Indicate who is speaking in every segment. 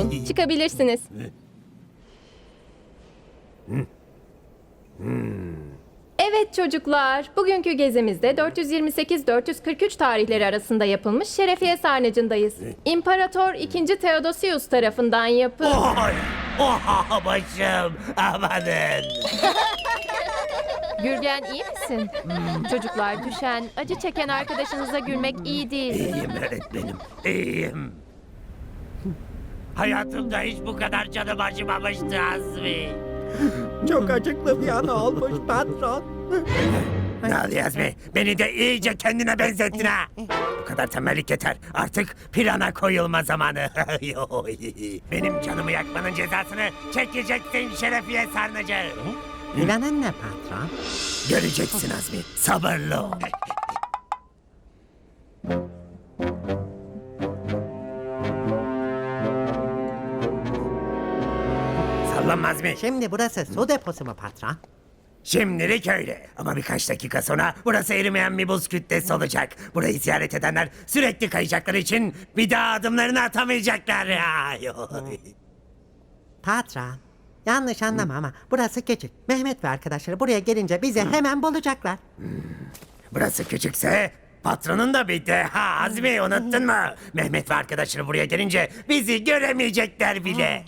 Speaker 1: olun. Çıkabilirsiniz. Evet çocuklar, bugünkü gezimizde 428-443 tarihleri arasında yapılmış Şerefiye Sarnıcı'ndayız. İmparator II. Theodosius tarafından yapılmış.
Speaker 2: Oy! Oha başım! Amanın!
Speaker 1: Gürgen iyi misin? Çocuklar düşen, acı çeken arkadaşınıza gülmek iyi değil.
Speaker 2: İyiyim öğretmenim, iyiyim. Hayatımda hiç bu kadar canım acımamıştı Azmi.
Speaker 3: Çok acıklı bir an olmuş patron.
Speaker 2: Ne oluyor Azmi? Beni de iyice kendine benzettin ha. Bu kadar tembellik yeter. Artık plana koyulma zamanı. Benim canımı yakmanın cezasını çekeceksin Şerefiye Sarnıcı.
Speaker 3: Planın ne patron?
Speaker 2: Göreceksin Azmi. Sabırlı ol. Sallanma Azmi.
Speaker 3: Şimdi burası su deposu mu patron?
Speaker 2: Şimdilik öyle. Ama birkaç dakika sonra burası erimeyen bir buz kütlesi olacak. Burayı ziyaret edenler sürekli kayacakları için bir daha adımlarını atamayacaklar.
Speaker 3: Patron. Yanlış anlama ama burası küçük. Mehmet ve arkadaşları buraya gelince bizi hemen bulacaklar.
Speaker 2: Burası küçükse patronun da bir deha Azmi, unuttun mu? Mehmet ve arkadaşları buraya gelince bizi göremeyecekler bile.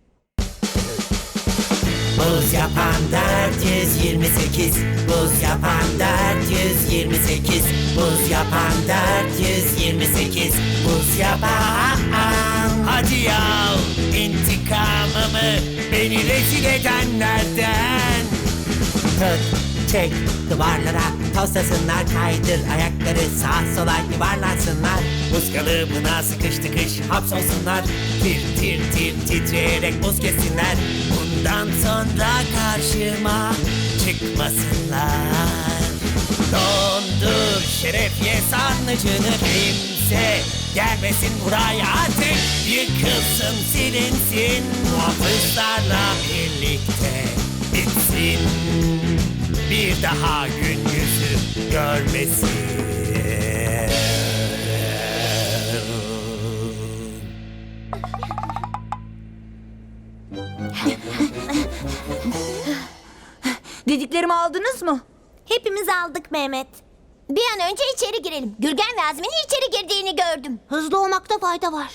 Speaker 2: Buz yapan 428, buz yapan 428, buz yapan 428, buz yapan. Hadi ya, intikamımı beni rezil edenlerden. Tut, çek, duvarlara toslasınlar, kaydır ayakları sağa sola yuvarlansınlar. Buz kalıbına sıkış tıkış hapsolsunlar, tir tir tir titreyerek buz kessinler. Bundan sonra karşıma çıkmasınlar. Dondur Şerefiye Sarnıcı'nı, kimse gelmesin buraya artık. Yıkılsın silinsin, muhafızlarla birlikte bitsin. Bir daha gün yüzü görmesin.
Speaker 4: Dediklerimi aldınız mı?
Speaker 5: Hepimiz aldık Mehmet. Bir an önce içeri girelim. Gürgen ve Azmi'nin içeri girdiğini gördüm. Hızlı olmakta fayda var.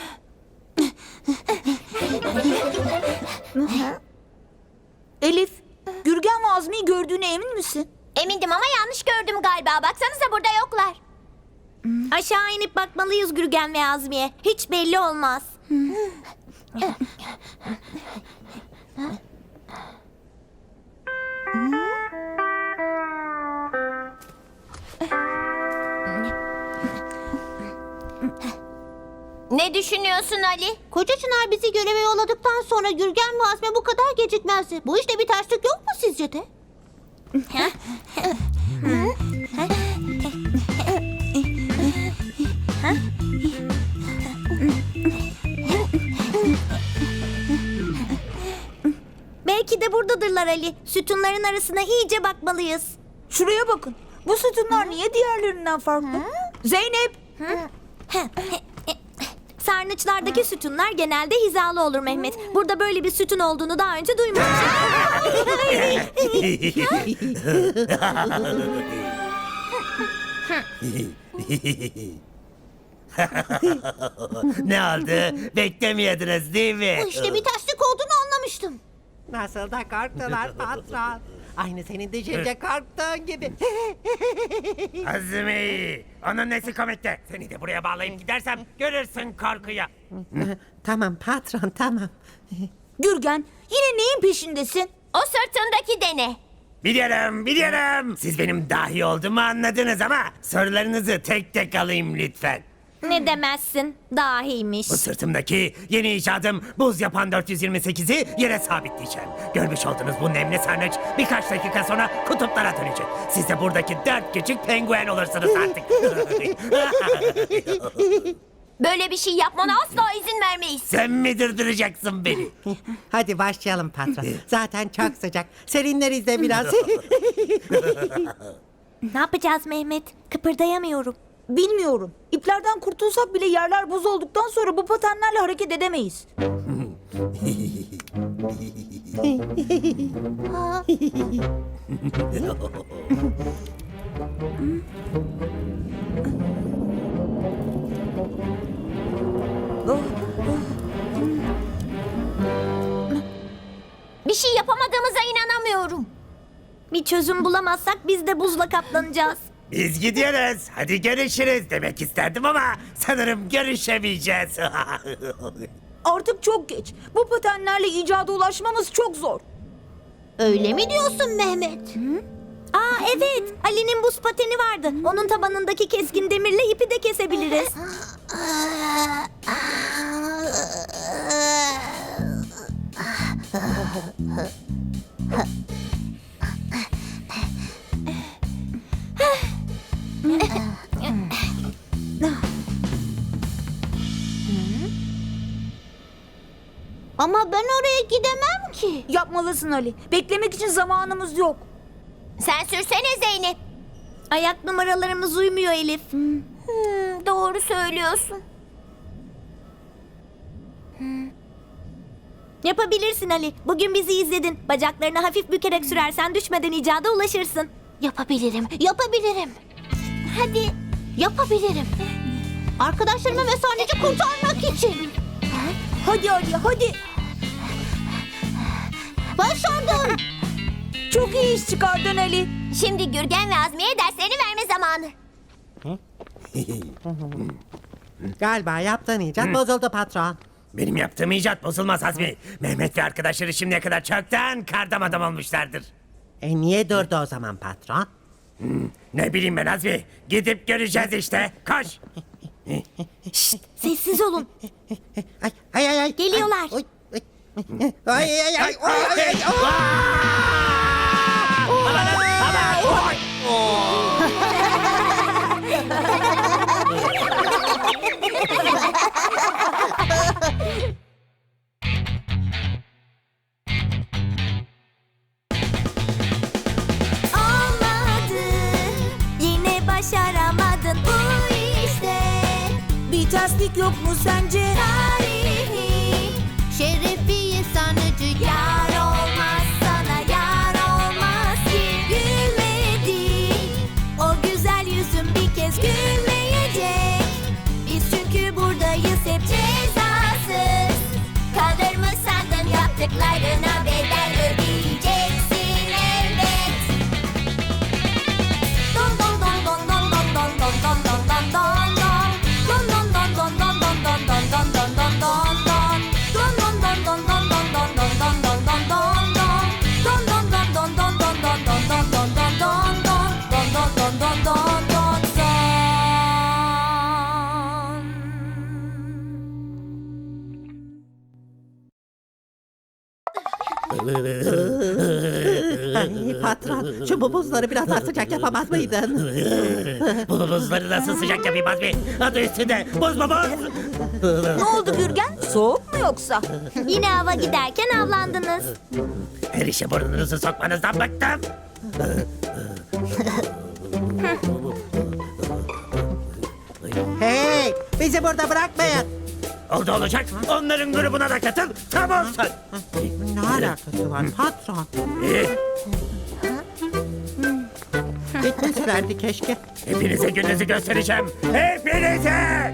Speaker 4: Elif, Gürgen ve Azmi'yi gördüğüne emin misin?
Speaker 5: Emindim ama yanlış gördüm galiba. Baksanıza burada yoklar. Aşağı inip bakmalıyız Gürgen ve Azmi'ye. Hiç belli olmaz. Ne düşünüyorsun Ali? Koca Çınar bizi göreve yolladıktan sonra Gürgen ve Azmi bu kadar gecikmezdi. Bu işte bir terslik yok mu sizce de? Belki de buradadırlar Ali. Sütunların arasına iyice bakmalıyız.
Speaker 4: Şuraya bakın. Bu sütunlar niye diğerlerinden farklı? Zeynep!
Speaker 5: Sarnıçlardaki sütunlar genelde hizalı olur Mehmet. Burada böyle bir sütun olduğunu daha önce duymamıştım.
Speaker 2: Ne oldu? Beklemiyordunuz değil mi?
Speaker 5: Bu işte bir terslik olduğunu anlamıştım.
Speaker 3: Nasıl da korktular patron. Aynı senin düşünce korktuğun gibi.
Speaker 2: Azmi! Onun nesi komikti? Seni de buraya bağlayıp gidersem görürsün korkuyu.
Speaker 3: Tamam patron tamam.
Speaker 4: Gürgen, yine neyin peşindesin?
Speaker 5: O sırtındaki dene.
Speaker 2: Biliyorum. Siz benim dahi olduğumu anladınız ama sorularınızı tek tek alayım lütfen.
Speaker 5: Ne demezsin? Dahiymiş.
Speaker 2: Bu sırtımdaki yeni icadım buz yapan 428'i yere sabitleyeceğim. Görmüş olduğunuz bu nemli sarnıç birkaç dakika sonra kutuplara dönecek. Siz de buradaki 4 küçük penguen olursunuz artık.
Speaker 5: Böyle bir şey yapmana asla izin vermeyiz.
Speaker 2: Sen mi durdıracaksın beni?
Speaker 3: Hadi başlayalım patron. Zaten çok sıcak. Serinleriz de biraz.
Speaker 5: Ne yapacağız Mehmet? Kıpırdayamıyorum.
Speaker 4: Bilmiyorum. İplerden kurtulsak bile yerler buz olduktan sonra bu patenlerle hareket edemeyiz.
Speaker 5: Bir şey yapamadığımıza inanamıyorum. Bir çözüm bulamazsak biz de buzla kaplanacağız.
Speaker 2: Biz gidiyoruz. Hadi görüşürüz demek isterdim ama sanırım görüşemeyeceğiz.
Speaker 4: Artık çok geç. Bu patenlerle icada ulaşmamız çok zor.
Speaker 5: Öyle mi diyorsun Mehmet? Aa evet, Ali'nin buz pateni vardı. Onun tabanındaki keskin demirle ipi de kesebiliriz. Ama ben oraya gidemem ki.
Speaker 4: Yapmalısın Ali. Beklemek için zamanımız yok.
Speaker 5: Sen sürsene Zeynep. Ayak numaralarımız uymuyor Elif. Doğru söylüyorsun. Yapabilirsin Ali. Bugün bizi izledin. Bacaklarını hafif bükerek sürersen düşmeden icada ulaşırsın. Yapabilirim, yapabilirim. Hadi. Yapabilirim. Arkadaşlarımı ve sahneci kurtarmak için.
Speaker 4: Hadi Ali, hadi.
Speaker 5: Başardım.
Speaker 4: Çok iyi iş çıkardın Ali.
Speaker 5: Şimdi Gürgen ve Azmi'ye derslerini verme zamanı.
Speaker 3: Galiba yaptığın icat bozuldu patron.
Speaker 2: Benim yaptığım icat bozulmaz Azmi. Mehmet ve arkadaşları şimdiye kadar çoktan kardam adam olmuşlardır.
Speaker 3: Niye durdu o zaman patron?
Speaker 2: Ne bileyim ben Azmi. Gidip göreceğiz işte. Koş.
Speaker 5: Sessiz olun.
Speaker 3: Ay.
Speaker 5: Geliyorlar.
Speaker 3: Ay.
Speaker 5: Olmadı. Yine başaramadın bu işte.
Speaker 4: Bir terslik yok mu sence?
Speaker 5: Tarihi şerefiye sanıcı yar olmaz sana yar olmaz ki gülmedi. O güzel yüzün bir kez gülmeyecek. Biz çünkü buradayız hep cezasız. Kalır mı sandın yaptıklarına bedel ödeyeceksin elbet. Don don don don don don don don don don don don don. Don don don don don don don don don don don don don. Don don don don don don don don don don don don don. Don don don don don don don don don don don don don don don don don don don don.
Speaker 3: Ay, patron, şu buzları biraz daha sıcak yapamaz mıydın?
Speaker 2: Bu buzları nasıl sıcak yapayım Azmi? Adı üstünde. Buz mu buz?
Speaker 4: Ne oldu Gürgen? Soğuk mu yoksa?
Speaker 5: Yine hava giderken avlandınız.
Speaker 2: Her işe burnunuzu sokmanızdan bıktım.
Speaker 3: Hey, bizi burada bırakmayın.
Speaker 2: Oldu olacak. Onların grubuna da katıl. Tam olsun.
Speaker 3: Ne alakası var patron? Gitmesi verdi keşke.
Speaker 2: Hepinize gününüzü göstereceğim. Hepinize!